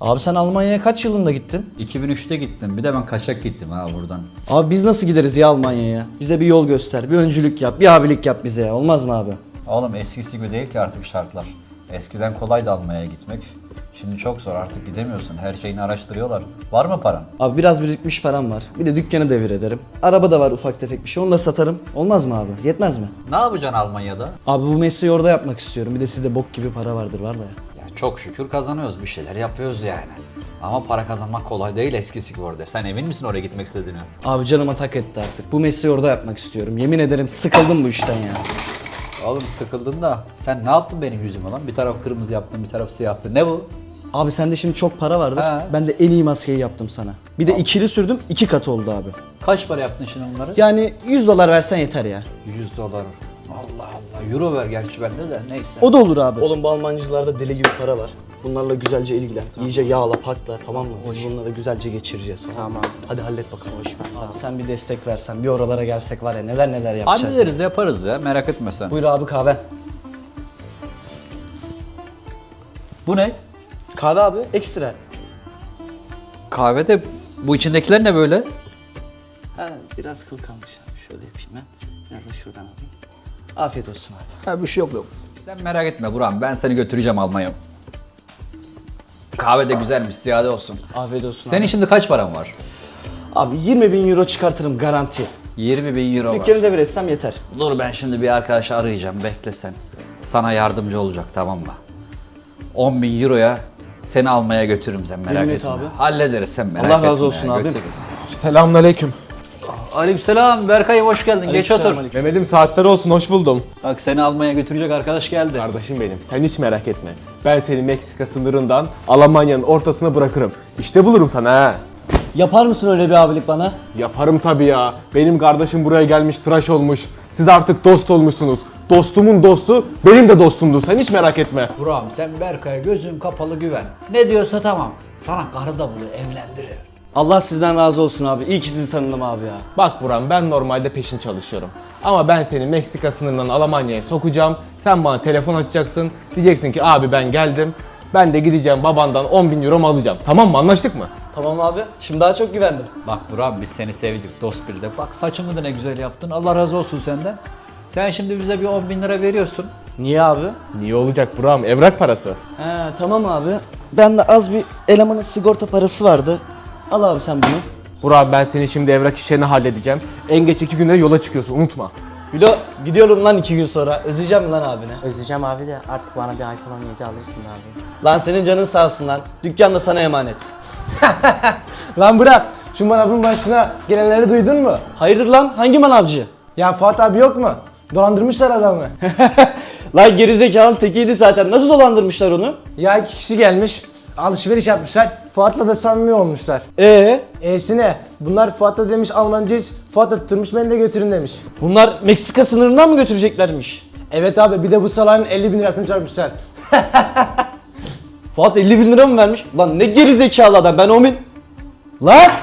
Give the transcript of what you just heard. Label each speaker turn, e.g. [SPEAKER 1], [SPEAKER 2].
[SPEAKER 1] Abi sen Almanya'ya kaç yılında gittin?
[SPEAKER 2] 2003'te gittim. Bir de ben kaçak gittim ha buradan.
[SPEAKER 1] Abi biz nasıl gideriz ya Almanya'ya? Bize bir yol göster, bir öncülük yap, bir abilik yap bize ya. Olmaz mı abi?
[SPEAKER 2] Oğlum eskisi gibi değil ki artık şartlar. Eskiden kolaydı Almanya'ya gitmek. Şimdi çok zor, artık gidemiyorsun. Her şeyini araştırıyorlar. Var mı paran?
[SPEAKER 1] Abi biraz birikmiş param var. Bir de dükkanı devir ederim. Araba da var ufak tefek bir şey. Onu da satarım. Olmaz mı abi? Yetmez mi?
[SPEAKER 2] Ne yapacaksın Almanya'da?
[SPEAKER 1] Abi bu mesleği orada yapmak istiyorum. Bir de sizde bok gibi para vardır var da ya.
[SPEAKER 2] Ya çok şükür kazanıyoruz, bir şeyler yapıyoruz yani. Ama para kazanmak kolay değil eskisi gibi orada. Sen emin misin oraya gitmek istediğine?
[SPEAKER 1] Abi canıma tak etti artık. Bu mesleği orada yapmak istiyorum. Yemin ederim sıkıldım bu işten ya.
[SPEAKER 2] Oğlum sıkıldın da sen ne yaptın benim yüzüme lan? Bir taraf kırmızı yaptın, bir taraf siyah yaptın. Ne bu?
[SPEAKER 1] Abi sende şimdi çok para vardır.
[SPEAKER 2] Ha.
[SPEAKER 1] Ben de en iyi maskeyi yaptım sana. Bir de ikili sürdüm, 2 katı oldu abi.
[SPEAKER 2] Kaç para yaptın şimdi bunları?
[SPEAKER 1] Yani 100 dolar versen yeter ya.
[SPEAKER 2] 100 dolar. Allah Allah. Euro ver gerçi bende de neyse.
[SPEAKER 1] O da olur abi. Oğlum bu Almancılarda deli gibi para var. Bunlarla güzelce ilgilen. İyice yağla, pakla, tamam mı? Biz bunları güzelce geçireceğiz.
[SPEAKER 3] Tamam.
[SPEAKER 1] Hadi hallet bakalım. Abi sen bir destek versen, bir oralara gelsek var ya neler neler yapacağız.
[SPEAKER 2] Hallederiz, yaparız ya, merak etme sen.
[SPEAKER 1] Buyur abi kahve.
[SPEAKER 2] Bu ne?
[SPEAKER 1] Kahve abi ekstra.
[SPEAKER 2] Kahvede bu içindekiler ne böyle?
[SPEAKER 1] Ha biraz kıl kalmış abi. Şöyle yapayım ben. Biraz da şuradan alayım. Afiyet olsun abi.
[SPEAKER 2] Ha bir şey yok. Sen merak etme Burak'ım, ben seni götüreceğim Almanya. Kahve de güzelmiş, ziyade olsun.
[SPEAKER 1] Afiyet olsun
[SPEAKER 2] Senin şimdi kaç paran var?
[SPEAKER 1] abi. 20.000 euro çıkartırım garanti.
[SPEAKER 2] 20.000 euro var.
[SPEAKER 1] Dükkanı devir etsem yeter.
[SPEAKER 2] Dur ben şimdi bir arkadaşı arayacağım, bekle sen. Sana yardımcı olacak, tamam mı? 10.000 euroya seni almaya götürürüm, sen merak
[SPEAKER 1] Yemin et
[SPEAKER 2] etme.
[SPEAKER 1] abi.
[SPEAKER 2] Hallederiz, sen merak
[SPEAKER 1] Allah
[SPEAKER 2] etme.
[SPEAKER 1] razı olsun
[SPEAKER 2] ya,
[SPEAKER 1] abim.
[SPEAKER 2] götürürüm.
[SPEAKER 3] Selamünaleyküm.
[SPEAKER 2] Aleykümselam Berkay, hoş geldin. Geç otur.
[SPEAKER 3] Mehmet'im saatler olsun, hoş buldum.
[SPEAKER 2] Bak seni almaya götürecek arkadaş geldi.
[SPEAKER 3] Kardeşim benim, sen hiç merak etme. Ben seni Meksika sınırından Almanya'nın ortasına bırakırım. İşte bulurum sana ha.
[SPEAKER 1] Yapar mısın öyle bir abilik bana?
[SPEAKER 3] Yaparım tabii ya. Benim kardeşim buraya gelmiş, tıraş olmuş. Siz artık dost olmuşsunuz. Dostumun dostu benim de dostumdur. Sen hiç merak etme.
[SPEAKER 2] Burak'ım sen Berkay'a gözün kapalı güven. Ne diyorsa tamam. Sana karı da buluyor, evlendirir.
[SPEAKER 1] Allah sizden razı olsun abi. İyi ki sizi tanıdım abi ya.
[SPEAKER 3] Bak Buram, ben normalde peşin çalışıyorum. Ama ben seni Meksika sınırından Almanya'ya sokacağım. Sen bana telefon açacaksın. Diyeceksin ki abi ben geldim. Ben de gideceğim babandan 10.000 euro alacağım. Tamam mı? Anlaştık mı?
[SPEAKER 1] Tamam abi. Şimdi daha çok güvendim.
[SPEAKER 2] Bak Burak'ım biz seni sevdik dost bir de. Bak saçımı da ne güzel yaptın. Allah razı olsun senden. Sen şimdi bize bir 10.000 lira veriyorsun.
[SPEAKER 1] Niye abi?
[SPEAKER 3] Niye olacak Buram? Evrak parası.
[SPEAKER 1] He tamam abi. Ben de az bir elemanın sigorta parası vardı. Al abi sen bunu.
[SPEAKER 3] Burak, ben senin şimdi evrak işlerini halledeceğim. En geç 2 günde yola çıkıyorsun, unutma.
[SPEAKER 1] Bilo gidiyorum lan 2 gün sonra. Özleyeceğim mi lan abine?
[SPEAKER 4] Özleyeceğim abi de artık bana bir iPhone 17 alırsın be abi.
[SPEAKER 1] Lan senin canın sağ olsun lan. Dükkan da sana emanet.
[SPEAKER 5] Lan bırak, şu manavın başına gelenleri duydun mu?
[SPEAKER 1] Hayırdır lan? Hangi manavcı?
[SPEAKER 5] Ya Fuat abi yok mu? Dolandırmışlar adamı.
[SPEAKER 1] Lan gerizekalı tekiydi zaten. Nasıl dolandırmışlar onu?
[SPEAKER 5] Ya 2 kişi gelmiş, alışveriş yapmışlar. Fuat'la da samimi olmuşlar. E'sine, bunlar Fuat'la demiş Almancayız, Fuat da tutturmuş beni de götürün demiş.
[SPEAKER 1] Bunlar Meksika sınırından mı götüreceklermiş?
[SPEAKER 5] Evet abi, bir de bu salağın 50.000 lirasını çarpmışlar.
[SPEAKER 1] Fuat 50.000 lira mı vermiş? Lan ne gerizekalı adam, ben 10.000... Lan!